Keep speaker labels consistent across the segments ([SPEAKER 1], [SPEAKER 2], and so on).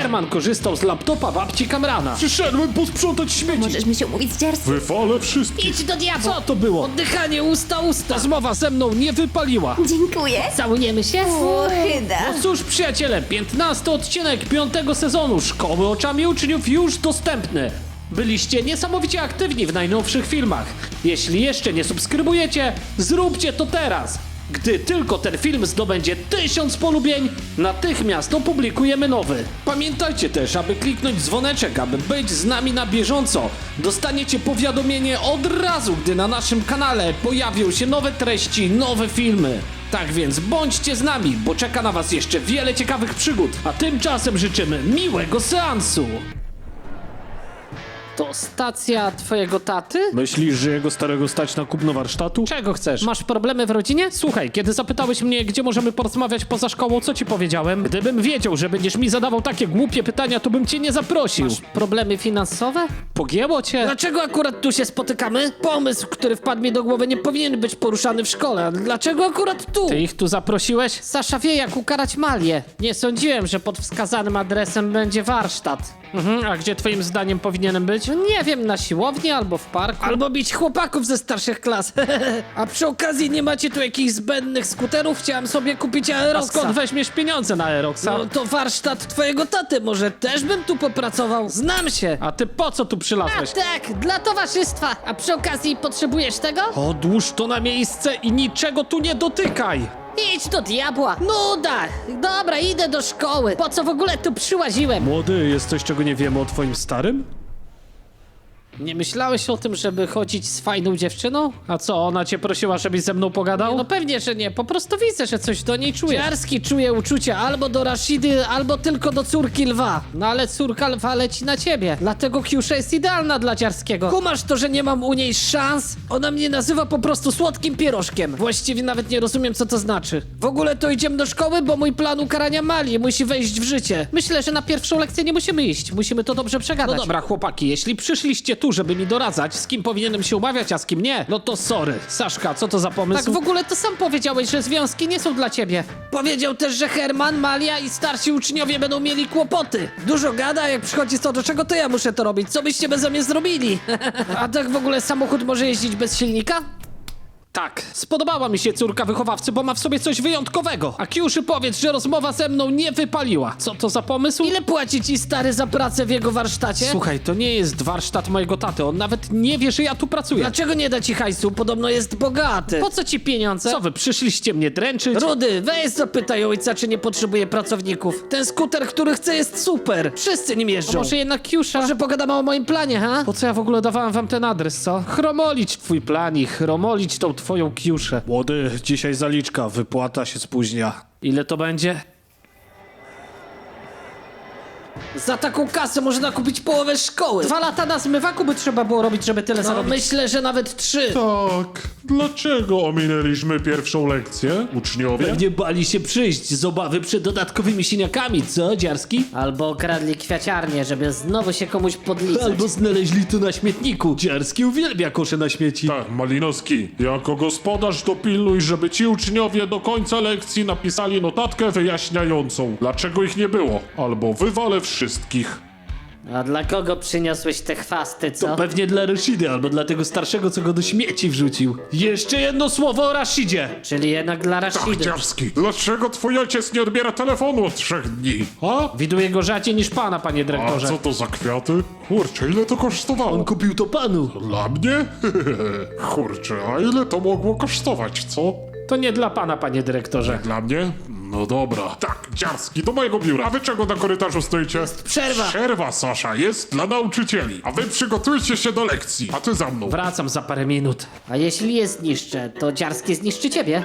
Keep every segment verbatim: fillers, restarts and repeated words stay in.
[SPEAKER 1] Herman korzystał z laptopa babci Kamrana. Przyszedłem posprzątać śmieci.
[SPEAKER 2] Możesz mi się umówić z Dziarskim?
[SPEAKER 3] Wywalę wszystkich.
[SPEAKER 4] Idź do diabła!
[SPEAKER 1] Co to było?
[SPEAKER 4] Oddychanie usta usta!
[SPEAKER 1] Rozmowa ze mną nie wypaliła.
[SPEAKER 2] Dziękuję.
[SPEAKER 4] Całujemy się?
[SPEAKER 2] Łohyda.
[SPEAKER 1] No cóż, przyjaciele, piętnasty odcinek piątego sezonu Szkoły oczami uczniów już dostępny. Byliście niesamowicie aktywni w najnowszych filmach. Jeśli jeszcze nie subskrybujecie, zróbcie to teraz. Gdy tylko ten film zdobędzie tysiąc polubień, natychmiast opublikujemy nowy. Pamiętajcie też, aby kliknąć dzwoneczek, aby być z nami na bieżąco. Dostaniecie powiadomienie od razu, gdy na naszym kanale pojawią się nowe treści, nowe filmy. Tak więc bądźcie z nami, bo czeka na was jeszcze wiele ciekawych przygód. A tymczasem życzymy miłego seansu. To stacja twojego taty?
[SPEAKER 3] Myślisz, że jego starego stać na kupno warsztatu?
[SPEAKER 1] Czego chcesz? Masz problemy w rodzinie? Słuchaj, kiedy zapytałeś mnie, gdzie możemy porozmawiać poza szkołą, co ci powiedziałem? Gdybym wiedział, że będziesz mi zadawał takie głupie pytania, to bym cię nie zaprosił. Masz problemy finansowe? Pogięło cię?
[SPEAKER 4] Dlaczego akurat tu się spotykamy? Pomysł, który wpadł mi do głowy, nie powinien być poruszany w szkole. A dlaczego akurat tu?
[SPEAKER 1] Ty ich tu zaprosiłeś? Sasza wie, jak ukarać Malię. Nie sądziłem, że pod wskazanym adresem będzie warsztat. Mhm, a gdzie twoim zdaniem powinienem być? No nie wiem, na siłowni albo w parku.
[SPEAKER 4] Albo bić chłopaków ze starszych klas. A przy okazji nie macie tu jakichś zbędnych skuterów? Chciałem sobie kupić
[SPEAKER 1] A
[SPEAKER 4] Aeroxa.
[SPEAKER 1] skąd weźmiesz pieniądze na Aeroxa?
[SPEAKER 4] No to warsztat twojego taty, może też bym tu popracował? Znam się.
[SPEAKER 1] A ty po co tu przylazłeś?
[SPEAKER 4] Tak, dla towarzystwa. A przy okazji potrzebujesz tego?
[SPEAKER 1] Odłóż to na miejsce i niczego tu nie dotykaj!
[SPEAKER 4] Idź do diabła. Nuda. Dobra, idę do szkoły. Po co w ogóle tu przyłaziłem?
[SPEAKER 3] Młody, jest coś, czego nie wiemy o twoim starym?
[SPEAKER 1] Nie myślałeś o tym, żeby chodzić z fajną dziewczyną? A co, ona cię prosiła, żebyś ze mną pogadał? No pewnie, że nie. Po prostu widzę, że coś do niej czujesz.
[SPEAKER 4] Dziarski czuje uczucia albo do Rashidy, albo tylko do córki lwa.
[SPEAKER 1] No ale córka lwa leci na ciebie. Dlatego Kiusza jest idealna dla Dziarskiego.
[SPEAKER 4] Kumasz to, że nie mam u niej szans? Ona mnie nazywa po prostu słodkim pierożkiem. Właściwie nawet nie rozumiem, co to znaczy. W ogóle to idziemy do szkoły, bo mój plan ukarania Mali musi wejść w życie.
[SPEAKER 1] Myślę, że na pierwszą lekcję nie musimy iść. Musimy to dobrze przegadać. No dobra, chłopaki, jeśli przyszliście tu, żeby mi doradzać, z kim powinienem się umawiać, a z kim nie, no to sorry. Saszka, co to za pomysł?
[SPEAKER 4] Tak w
[SPEAKER 1] ogóle to sam powiedziałeś, że związki nie są dla ciebie.
[SPEAKER 4] Powiedział też, że Herman, Malia i starsi uczniowie będą mieli kłopoty. Dużo gada, jak przychodzi co do czego, to ja muszę to robić. Co byście beze mnie zrobili? A tak w ogóle samochód może jeździć bez silnika?
[SPEAKER 1] Tak, spodobała mi się córka wychowawcy, bo ma w sobie coś wyjątkowego. A Kiuszy powiedz, że rozmowa ze mną nie wypaliła. Co to za pomysł?
[SPEAKER 4] Ile płaci ci stary za pracę w jego warsztacie?
[SPEAKER 1] Słuchaj, to nie jest warsztat mojego taty, on nawet nie wie, że ja tu pracuję.
[SPEAKER 4] Dlaczego nie da ci hajsu? Podobno jest bogaty.
[SPEAKER 1] Po co ci pieniądze? Co wy, przyszliście mnie dręczyć?
[SPEAKER 4] Rudy, weź zapytaj ojca, czy nie potrzebuje pracowników. Ten skuter, który chce, jest super. Wszyscy nim jeżdżą.
[SPEAKER 1] Może jednak Kiusza?
[SPEAKER 4] Może pogadamy o moim planie, ha?
[SPEAKER 1] Po co ja w ogóle dawałem wam ten adres, co? Chromolić twój plan i chromolić tą twoją Kiuszę.
[SPEAKER 3] Młody, dzisiaj zaliczka, wypłata się spóźnia.
[SPEAKER 1] Ile to będzie?
[SPEAKER 4] Za taką kasę można kupić połowę szkoły.
[SPEAKER 1] Dwa lata na zmywaku by trzeba było robić, żeby tyle
[SPEAKER 4] No,
[SPEAKER 1] zarobić.
[SPEAKER 4] myślę, że nawet trzy.
[SPEAKER 3] Tak, dlaczego ominęliśmy pierwszą lekcję, uczniowie?
[SPEAKER 1] Pewnie bali się przyjść z obawy przed dodatkowymi siniakami, co, Dziarski?
[SPEAKER 4] Albo okradli kwiaciarnię, żeby znowu się komuś podliczyć.
[SPEAKER 1] Albo znaleźli to na śmietniku. Dziarski uwielbia kosze na śmieci.
[SPEAKER 3] Tak, Malinowski, jako gospodarz dopilnuj, żeby ci uczniowie do końca lekcji napisali notatkę wyjaśniającą, dlaczego ich nie było, albo wywalę wszystkich.
[SPEAKER 4] A dla kogo przyniosłeś te chwasty, co?
[SPEAKER 1] To pewnie dla Rashidy, albo dla tego starszego, co go do śmieci wrzucił. Jeszcze jedno słowo o Rashidzie.
[SPEAKER 4] Czyli jednak dla
[SPEAKER 3] Tak,
[SPEAKER 4] Rashidy.
[SPEAKER 3] Dziarski, dlaczego twój ojciec nie odbiera telefonu od trzech dni? A?
[SPEAKER 1] Widuję go rzadziej niż pana, panie
[SPEAKER 3] A
[SPEAKER 1] dyrektorze.
[SPEAKER 3] co to za kwiaty? Kurczę, ile to kosztowało?
[SPEAKER 1] On kupił to panu.
[SPEAKER 3] Dla mnie? Kurczę, a ile to mogło kosztować, co?
[SPEAKER 1] To nie dla pana, panie dyrektorze.
[SPEAKER 3] Dla mnie? No dobra. Tak, Dziarski, do mojego biura. A wy czego na korytarzu stoicie?
[SPEAKER 4] przerwa.
[SPEAKER 3] Przerwa, Sasza, jest dla nauczycieli. A wy przygotujcie się do lekcji. A ty za mną.
[SPEAKER 1] Wracam za parę minut.
[SPEAKER 4] A jeśli je zniszczę, to Dziarskie zniszczy ciebie?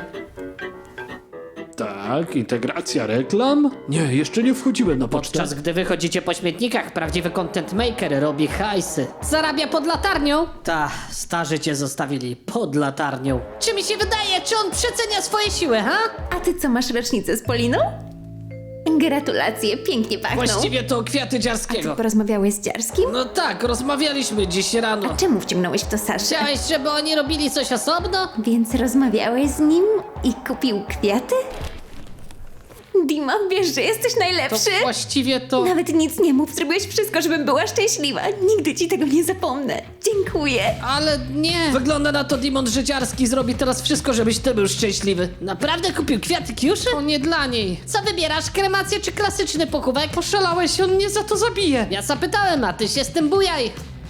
[SPEAKER 1] Tak, integracja reklam? Nie, jeszcze nie wchodziłem na pocztę.
[SPEAKER 4] Podczas gdy wychodzicie po śmietnikach, prawdziwy content maker robi hajsy. Zarabia pod latarnią? Ta, starzy cię zostawili pod latarnią. Czy mi się wydaje, czy on przecenia swoje siły, ha?
[SPEAKER 2] A ty co, masz rocznicę z Poliną? Gratulacje, pięknie pachną.
[SPEAKER 4] Właściwie to kwiaty
[SPEAKER 2] Ty
[SPEAKER 4] Dziarskiego.
[SPEAKER 2] porozmawiałeś z Dziarskim?
[SPEAKER 4] No tak, rozmawialiśmy dziś rano.
[SPEAKER 2] Czemu wciągnąłeś w to Saszę?
[SPEAKER 4] Chciałeś, żeby oni robili coś osobno?
[SPEAKER 2] Więc rozmawiałeś z nim i kupił kwiaty? Dima, wiesz, że jesteś
[SPEAKER 4] To
[SPEAKER 2] najlepszy?
[SPEAKER 4] właściwie to...
[SPEAKER 2] Nawet nic nie mów, zrobiłeś wszystko, żebym była szczęśliwa. Nigdy ci tego nie zapomnę. Dziękuję.
[SPEAKER 4] Ale nie. Wygląda na to, Dimon, że Dziarski zrobi teraz wszystko, żebyś ty był szczęśliwy. Naprawdę kupił kwiaty Kiuszy? To nie dla niej. Co wybierasz, kremację czy klasyczny pochówek? Poszalałeś, on mnie za to zabije. Ja zapytałem, a ty się z tym bujaj.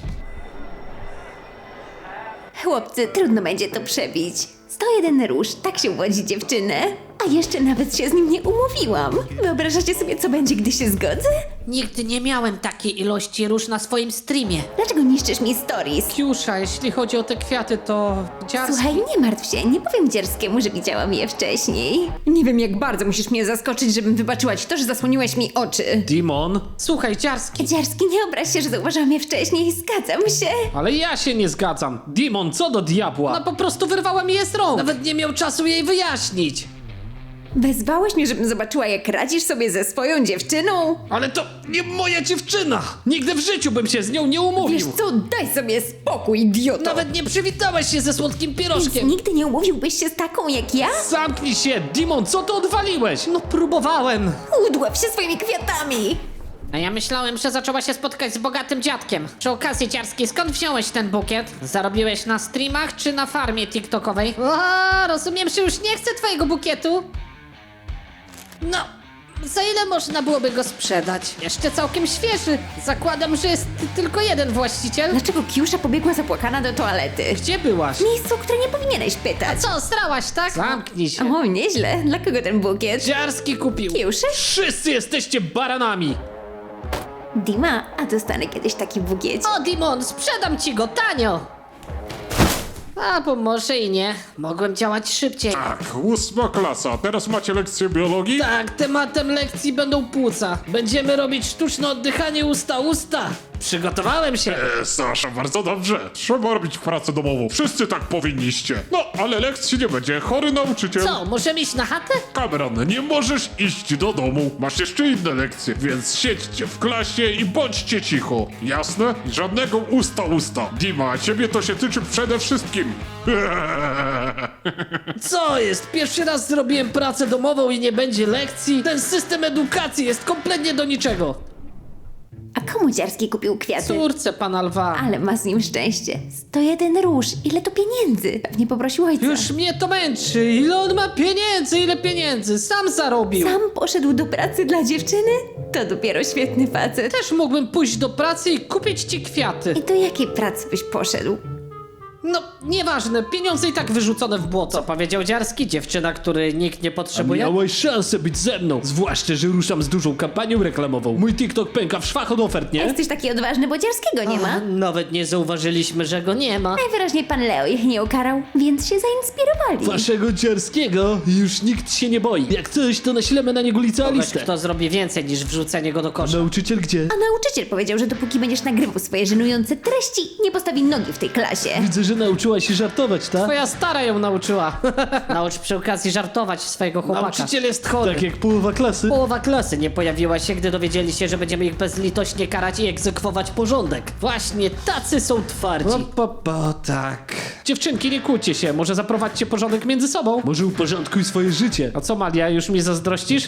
[SPEAKER 2] Chłopcy, trudno będzie to przebić. sto jeden róż, tak się uwodzi dziewczynę. A jeszcze nawet się z nim nie umówiłam. Wyobrażacie sobie, co będzie, gdy się zgodzę?
[SPEAKER 5] Nigdy nie miałem takiej ilości róż na swoim streamie.
[SPEAKER 2] Dlaczego niszczysz mi stories?
[SPEAKER 4] Kiusza, jeśli chodzi o te kwiaty, to Dziarski...
[SPEAKER 2] Słuchaj, nie martw się, nie powiem Dzierskiemu, że widziałam je wcześniej. Nie wiem, jak bardzo musisz mnie zaskoczyć, żebym wybaczyła ci to, że zasłoniłeś mi oczy.
[SPEAKER 1] Dimon?
[SPEAKER 4] Słuchaj, Dziarski.
[SPEAKER 2] Dzierski, nie obraź się, że zauważyłam je wcześniej, zgadzam się.
[SPEAKER 1] Ale ja się nie zgadzam. Dimon, co do diabła?
[SPEAKER 4] Ona po prostu wyrwała mi je z rąk. Nawet nie miał czasu jej wyjaśnić.
[SPEAKER 2] Wezwałeś mnie, żebym zobaczyła, jak radzisz sobie ze swoją dziewczyną?
[SPEAKER 1] Ale to nie moja dziewczyna! Nigdy w życiu bym się z nią nie umówił!
[SPEAKER 2] Wiesz co, daj sobie spokój, idioto.
[SPEAKER 4] Nawet nie przywitałeś się ze słodkim
[SPEAKER 2] Więc
[SPEAKER 4] pierożkiem.
[SPEAKER 2] nigdy nie umówiłbyś się z taką jak ja?
[SPEAKER 1] Zamknij się! Dimon, co ty odwaliłeś?
[SPEAKER 4] No próbowałem.
[SPEAKER 2] Udław się swoimi kwiatami.
[SPEAKER 5] A ja myślałem, że zaczęła się spotkać z bogatym dziadkiem. Przy okazji, Dziarski, skąd wziąłeś ten bukiet? Zarobiłeś na streamach czy na farmie tiktokowej?
[SPEAKER 4] A, rozumiem, że już nie chcę twojego bukietu. No, za ile można byłoby go sprzedać? Jeszcze całkiem świeży. Zakładam, że jest tylko jeden właściciel.
[SPEAKER 2] Dlaczego Kiusza pobiegła zapłakana do toalety?
[SPEAKER 1] Gdzie byłaś?
[SPEAKER 2] Miejscu, które nie powinieneś pytać.
[SPEAKER 5] Co, strałaś, tak?
[SPEAKER 1] Zamknij się!
[SPEAKER 2] O, nieźle. Dla kogo ten bukiet?
[SPEAKER 1] Dziarski kupił!
[SPEAKER 2] Kiuszy?
[SPEAKER 1] Wszyscy jesteście baranami!
[SPEAKER 2] Dima, a dostanę kiedyś taki bukiet.
[SPEAKER 5] O, Dimon, sprzedam ci go tanio! A, bo może i nie. Mogłem działać szybciej.
[SPEAKER 3] Tak, ósma klasa. Teraz macie lekcję biologii?
[SPEAKER 4] Tak, tematem lekcji będą płuca. Będziemy robić sztuczne oddychanie usta-usta.
[SPEAKER 1] Przygotowałem się!
[SPEAKER 3] E, Sasza, bardzo dobrze. Trzeba robić pracę domową. Wszyscy tak powinniście. No, ale lekcji nie będzie. Chory nauczyciel.
[SPEAKER 5] Co, możemy iść na chatę?
[SPEAKER 3] Cameron, nie możesz iść do domu. Masz jeszcze inne lekcje, więc siedźcie w klasie i bądźcie cicho. Jasne? Żadnego usta-usta. Dima, ciebie to się tyczy przede wszystkim.
[SPEAKER 4] Co jest? Pierwszy raz zrobiłem pracę domową i nie będzie lekcji? Ten system edukacji jest kompletnie do niczego.
[SPEAKER 2] A komu Dziarski kupił kwiaty?
[SPEAKER 4] Córce pana lwa.
[SPEAKER 2] Ale ma z nim szczęście. sto jeden róż. Ile to pieniędzy? Pewnie poprosił ojca.
[SPEAKER 4] Już mnie to męczy. Ile on ma pieniędzy? Ile pieniędzy? Sam zarobił.
[SPEAKER 2] Sam poszedł do pracy dla dziewczyny? To dopiero świetny facet.
[SPEAKER 4] Też mógłbym pójść do pracy i kupić ci kwiaty.
[SPEAKER 2] I do jakiej pracy byś poszedł?
[SPEAKER 4] No, nieważne. Pieniądze i tak wyrzucone w błoto.
[SPEAKER 5] Co powiedział Dziarski? Dziewczyna, której nikt nie potrzebuje?
[SPEAKER 1] Miałeś szansę być ze mną, zwłaszcza, że ruszam z dużą kampanią reklamową. Mój TikTok pęka w szwach od ofert, nie?
[SPEAKER 2] Jesteś taki odważny, bo Dziarskiego nie ma.
[SPEAKER 5] Nawet nie zauważyliśmy, że go nie ma.
[SPEAKER 2] Najwyraźniej pan Leo ich nie ukarał, więc się zainspirowali.
[SPEAKER 1] Waszego Dziarskiego już nikt się nie boi. Jak coś, to naślemy na niego
[SPEAKER 5] Kogoś,
[SPEAKER 1] licealistę.
[SPEAKER 5] kto zrobi więcej niż wrzucenie go do kosza.
[SPEAKER 1] Nauczyciel gdzie?
[SPEAKER 2] A nauczyciel powiedział, że dopóki będziesz nagrywał swoje żenujące treści, nie postawi nogi w tej klasie.
[SPEAKER 1] Widzę, że nauczyłaś się żartować, tak?
[SPEAKER 4] Twoja stara ją nauczyła.
[SPEAKER 5] Naucz przy okazji żartować swojego chłopaka.
[SPEAKER 4] Nauczyciel jest chory.
[SPEAKER 1] Tak jak połowa klasy.
[SPEAKER 5] Połowa klasy nie pojawiła się, gdy dowiedzieli się, że będziemy ich bezlitośnie karać i egzekwować porządek. Właśnie tacy są twardzi.
[SPEAKER 1] O, pa, pa, tak. Dziewczynki, nie kłóćcie się, może zaprowadźcie porządek między sobą? Może uporządkuj swoje życie. A co, Malia, już mi zazdrościsz?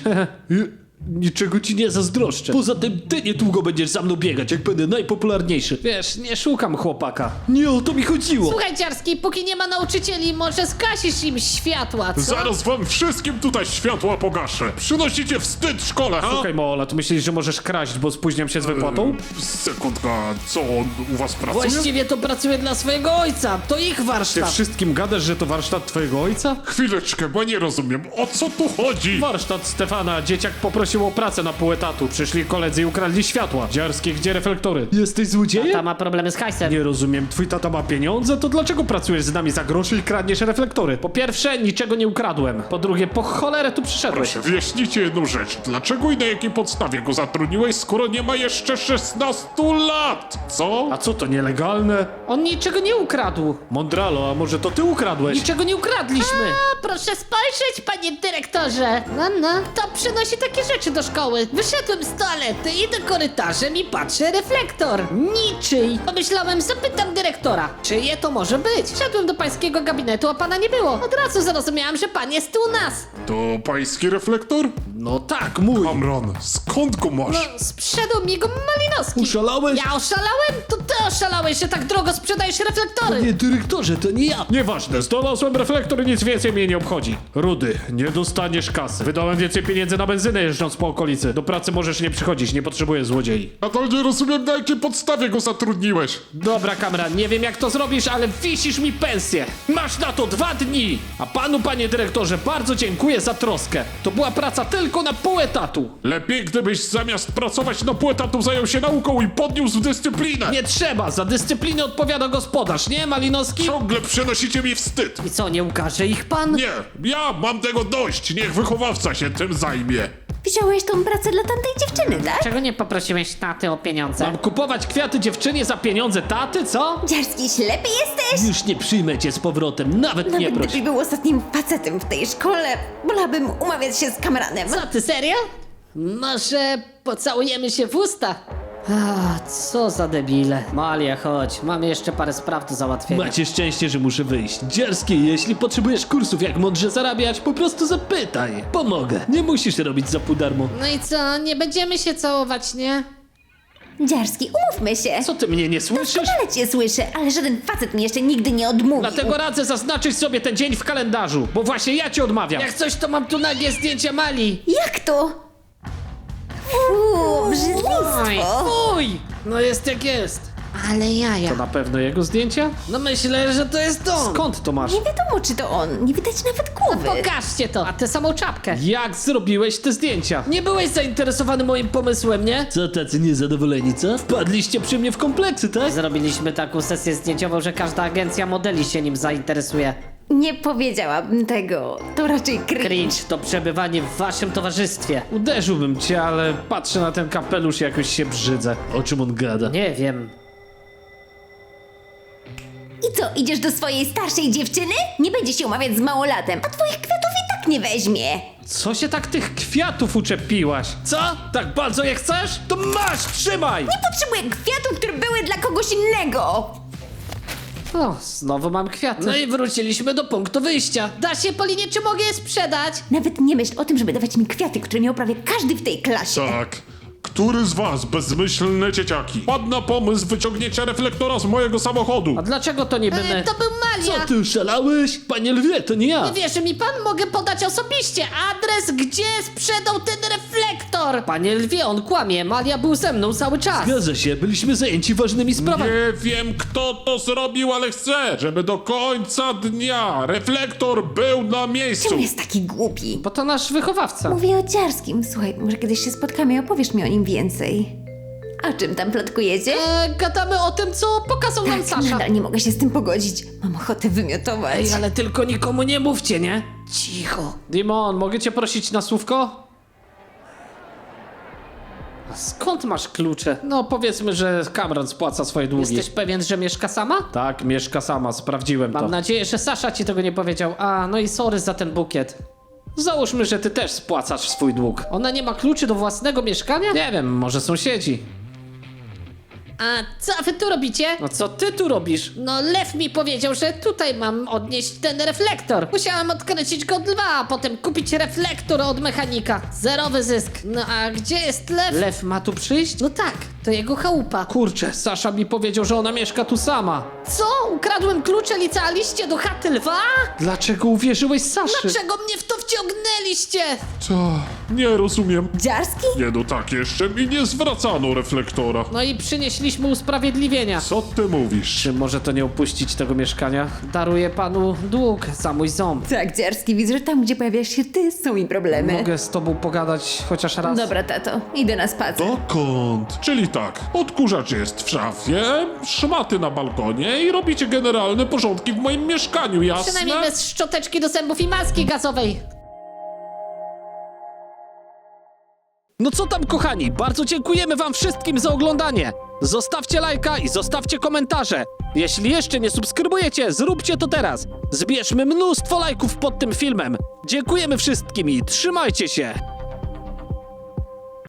[SPEAKER 1] Niczego ci nie zazdroszczę. Poza tym ty niedługo będziesz za mną biegać, jak będę najpopularniejszy. Wiesz, nie szukam chłopaka. Nie o to mi chodziło.
[SPEAKER 5] Słuchaj, Dziarski, póki nie ma nauczycieli, może skasisz im światła, co?
[SPEAKER 3] Zaraz wam wszystkim tutaj światła pogaszę. Przynosicie wstyd szkole, ha?
[SPEAKER 1] Słuchaj, Mola, tu myślisz, że możesz kraść, bo spóźniam się z wypłatą?
[SPEAKER 3] Sekundka, co on u was pracuje?
[SPEAKER 4] Właściwie to pracuje dla swojego ojca. To ich
[SPEAKER 1] Ty
[SPEAKER 4] warsztat.
[SPEAKER 1] wszystkim gadasz, że to warsztat twojego ojca?
[SPEAKER 3] Chwileczkę, bo nie rozumiem, o co tu chodzi?
[SPEAKER 1] Warsztat Stefana, dzieciak poprosił o pracę na pół etatu. Przyszli koledzy i ukradli światła. Dziarskie, gdzie reflektory? Jesteś złodziejem?
[SPEAKER 5] Ta ma problemy z hajsem.
[SPEAKER 1] Nie rozumiem, twój tata ma pieniądze, to dlaczego pracujesz z nami za groszy i kradniesz reflektory? Po pierwsze, niczego nie ukradłem. Po drugie, po cholerę tu przyszedłeś.
[SPEAKER 3] Proszę, wyjaśnijcie jedną rzecz. Dlaczego i na jakiej podstawie go zatrudniłeś, skoro nie ma jeszcze szesnastu lat? Co?
[SPEAKER 1] A co to, nielegalne?
[SPEAKER 4] On niczego nie ukradł.
[SPEAKER 1] Mondralo, a może to ty ukradłeś?
[SPEAKER 4] Niczego nie ukradliśmy.
[SPEAKER 5] A, proszę spojrzeć, panie dyrektorze. No, no, to przynosi takie rzeczy
[SPEAKER 4] rzeczy do szkoły. Wyszedłem z toalety, idę korytarzem i patrzę reflektor. Niczyj. Pomyślałem, zapytam dyrektora, czyje to może być. Wszedłem do pańskiego gabinetu, a pana nie było. Od razu zrozumiałam, że pan jest u nas.
[SPEAKER 3] To pański reflektor?
[SPEAKER 1] No tak, mój.
[SPEAKER 3] Amron, skąd go
[SPEAKER 4] No,
[SPEAKER 3] masz?
[SPEAKER 4] sprzedał mi go Malinowski.
[SPEAKER 1] Oszalałeś?
[SPEAKER 4] Ja oszalałem? To ty oszalałeś, że tak drogo sprzedajesz reflektory.
[SPEAKER 1] Nie, dyrektorze, to nie ja. Nieważne, znalazłem reflektor i nic więcej mnie nie obchodzi. Rudy, nie dostaniesz kasy. Wydałem więcej pieniędzy na benzynę jeżdżąc po okolicy. Do pracy możesz nie przychodzić, nie potrzebuję złodziei.
[SPEAKER 3] A to nie rozumiem, na jakiej podstawie go zatrudniłeś.
[SPEAKER 1] Dobra, Kamran, nie wiem jak to zrobisz, ale wisisz mi pensję. Masz na to dwa dni. A panu, panie dyrektorze, bardzo dziękuję za troskę. To była praca tylko na pół etatu.
[SPEAKER 3] Lepiej, gdybyś zamiast pracować na pół etatu zajął się nauką i podniósł dyscyplinę.
[SPEAKER 1] Nie trzeba, za dyscyplinę odpowiada gospodarz, nie, Malinowski?
[SPEAKER 3] Ciągle przynosicie mi wstyd.
[SPEAKER 4] I co, nie ukaże ich pan?
[SPEAKER 3] Nie, ja mam tego dość. Niech wychowawca się tym zajmie.
[SPEAKER 2] Wziąłeś tą pracę dla tamtej dziewczyny, tak?
[SPEAKER 5] Czego nie poprosiłeś taty o pieniądze?
[SPEAKER 1] Mam kupować kwiaty dziewczynie za pieniądze taty, co?
[SPEAKER 2] Dziarski, ślepy jesteś?
[SPEAKER 1] Już nie przyjmę cię z powrotem, nawet nie
[SPEAKER 2] Nawet
[SPEAKER 1] proś.
[SPEAKER 2] gdybyś był ostatnim facetem w tej szkole, wolałabym umawiać się z Kamranem.
[SPEAKER 4] Co, ty serio? Może pocałujemy się w usta? A, co za debile. Malia, chodź, mamy jeszcze parę spraw do załatwienia.
[SPEAKER 1] Macie szczęście, że muszę wyjść. Dzierski, jeśli potrzebujesz kursów jak mądrze zarabiać, po prostu zapytaj. Pomogę. Nie musisz robić za pół darmo.
[SPEAKER 4] No i co, nie będziemy się całować, nie?
[SPEAKER 2] Dziarski, umówmy się.
[SPEAKER 1] Co ty mnie nie słyszysz?
[SPEAKER 2] Doskonale cię słyszę, ale żaden facet mi jeszcze nigdy nie odmówił.
[SPEAKER 1] Dlatego radzę zaznaczyć sobie ten dzień w kalendarzu, bo właśnie ja ci odmawiam.
[SPEAKER 4] Jak coś, to mam tu nagie zdjęcia Mali.
[SPEAKER 2] Jak to? Fuu, brzydlistwo.
[SPEAKER 4] Fuj! No jest jak jest.
[SPEAKER 5] Ale jaja.
[SPEAKER 1] To na pewno jego zdjęcia?
[SPEAKER 4] No myślę, że to jest on.
[SPEAKER 1] Skąd to masz?
[SPEAKER 2] Nie wiadomo, czy to on. Nie widać nawet głowy.
[SPEAKER 4] Pokażcie to, a tę samą czapkę.
[SPEAKER 1] Jak zrobiłeś te zdjęcia?
[SPEAKER 4] Nie byłeś zainteresowany moim pomysłem, nie?
[SPEAKER 1] Co tacy niezadowoleni, co? Wpadliście przy mnie w kompleksy, tak?
[SPEAKER 5] Zrobiliśmy taką sesję zdjęciową, że każda agencja modeli się nim zainteresuje.
[SPEAKER 2] Nie powiedziałabym tego. To raczej cringe.
[SPEAKER 5] Cringe to przebywanie w waszym towarzystwie.
[SPEAKER 1] Uderzyłbym cię, ale patrzę na ten kapelusz i jakoś się brzydzę. O czym on gada?
[SPEAKER 5] Nie wiem.
[SPEAKER 2] I co, idziesz do swojej starszej dziewczyny? Nie będzie się umawiać z małolatem, a twoich kwiatów i tak nie weźmie.
[SPEAKER 1] Co się tak tych kwiatów uczepiłaś? Co? Tak bardzo je chcesz? To masz, trzymaj!
[SPEAKER 2] Nie potrzebuję kwiatów, które były dla kogoś innego.
[SPEAKER 1] O, znowu mam kwiaty.
[SPEAKER 4] No i wróciliśmy do punktu wyjścia. Da się, Polinie, czy mogę je sprzedać?
[SPEAKER 2] Nawet nie myśl o tym, żeby dawać mi kwiaty, które miał prawie każdy w tej klasie.
[SPEAKER 3] Tak. Który z was, bezmyślne dzieciaki, padł na pomysł wyciągnięcia reflektora z mojego samochodu?
[SPEAKER 1] A dlaczego to niby
[SPEAKER 4] E,
[SPEAKER 1] my?
[SPEAKER 4] to był Malia.
[SPEAKER 1] Co ty szalałeś? Panie lwie, to nie ja.
[SPEAKER 4] Nie wierzy mi pan? Mogę podać osobiście adres, gdzie sprzedał ten reflektor. Panie lwie, on kłamie. Malia był ze mną cały czas.
[SPEAKER 1] Zgadza się, byliśmy zajęci ważnymi sprawami.
[SPEAKER 3] Nie wiem, kto to zrobił, ale chcę, żeby do końca dnia reflektor był na miejscu.
[SPEAKER 2] Czemu jest taki głupi?
[SPEAKER 1] Bo to nasz wychowawca.
[SPEAKER 2] Mówię o Dziarskim. Słuchaj, może kiedyś się spotkamy i opowiesz mi o nim więcej. O czym tam plotkujecie?
[SPEAKER 4] E, gadamy o tym, co pokazał nam Sasza.
[SPEAKER 2] Nadal nie mogę się z tym pogodzić. Mam ochotę wymiotować.
[SPEAKER 4] Ej, ale tylko nikomu nie mówcie, nie? Cicho.
[SPEAKER 1] Dimon, mogę cię prosić na słówko? A skąd masz klucze? No powiedzmy, że Kamran spłaca swoje długi.
[SPEAKER 4] Jesteś pewien, że mieszka sama?
[SPEAKER 1] Tak, mieszka sama, sprawdziłem
[SPEAKER 4] Mam
[SPEAKER 1] to.
[SPEAKER 4] nadzieję, że Sasza ci tego nie powiedział. A, no i sorry za ten bukiet.
[SPEAKER 1] Załóżmy, że ty też spłacasz swój dług.
[SPEAKER 4] Ona nie ma kluczy do własnego mieszkania?
[SPEAKER 1] Nie wiem, może sąsiedzi.
[SPEAKER 4] A co wy tu robicie?
[SPEAKER 1] No co ty tu robisz?
[SPEAKER 4] No Lew mi powiedział, że tutaj mam odnieść ten reflektor. Musiałem odkręcić go od lwa, a potem kupić reflektor od mechanika. Zerowy zysk. No a gdzie jest Lew?
[SPEAKER 1] Lew ma tu przyjść?
[SPEAKER 4] No tak, to jego chałupa.
[SPEAKER 1] Kurczę, Sasza mi powiedział, że ona mieszka tu sama.
[SPEAKER 4] Co? Ukradłem klucze, licealiście do chaty lwa?
[SPEAKER 1] Dlaczego uwierzyłeś Saszy?
[SPEAKER 4] Dlaczego mnie w to wciągnęliście?
[SPEAKER 3] To nie rozumiem.
[SPEAKER 2] Dziarski?
[SPEAKER 3] Nie no tak, jeszcze mi nie zwracano reflektora.
[SPEAKER 4] No i przynieśliśmy usprawiedliwienia.
[SPEAKER 3] Co ty mówisz?
[SPEAKER 1] Czy może to nie opuścić tego mieszkania? Daruję panu dług za mój ząb.
[SPEAKER 2] Tak, Dziarski, widzę, że tam, gdzie pojawiasz się ty, są mi problemy.
[SPEAKER 1] Mogę z tobą pogadać chociaż raz?
[SPEAKER 2] Dobra, tato, idę na spacer.
[SPEAKER 3] Dokąd? Czyli tak, odkurzacz jest w szafie, szmaty na balkonie i robicie generalne porządki w moim mieszkaniu, jasne?
[SPEAKER 4] Przynajmniej bez szczoteczki do zębów i maski gazowej.
[SPEAKER 1] No co tam, kochani? Bardzo dziękujemy wam wszystkim za oglądanie. Zostawcie lajka i zostawcie komentarze. Jeśli jeszcze nie subskrybujecie, zróbcie to teraz. Zbierzmy mnóstwo lajków pod tym filmem. Dziękujemy wszystkim i trzymajcie się.